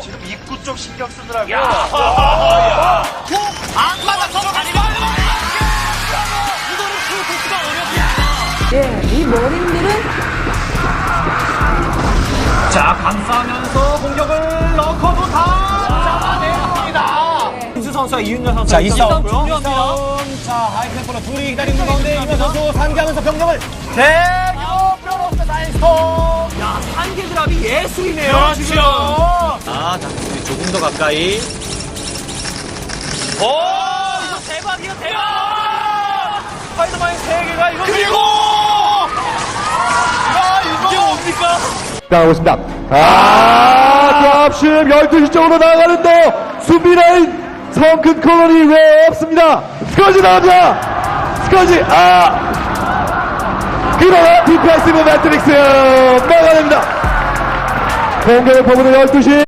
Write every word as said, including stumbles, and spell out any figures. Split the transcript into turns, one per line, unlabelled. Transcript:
지금 입구 쪽 신경 쓰더라고요.
야. 안 맞아서 다리가 이거는 수가 어렵습니다.
예, 이 머린들은
자, 감싸면서 공격을 넣고도 다 잡아내봅니다. 김수 선수와 이윤여 선수.
자, 이 싸움.
중요합니다.
이 싸움. 자, 하이템포로 둘이 기다리는 가운데 이윤여 선수 상기하면서 병력을 대교 뼈로스 다이스톰.
야, 한계 드랍이 예술이네요.
그렇죠.
지금.
아, 닥터들이 조금 더 가까이.
오, 이거 대박이야, 대박! 스파이더맨 세 개가 이거.
그리고!
야, 이게 뭡니까?
나가고 있습니다. 아, 드랍십 열두 시 쪽으로 나가는데요. 수비라인 성큰 콜론이 왜 없습니다. 스커지 나갑니다. 스커지, 아! 그러나 디펜시브 매트릭스 막아냅니다. 공격을 퍼부는 열두 시.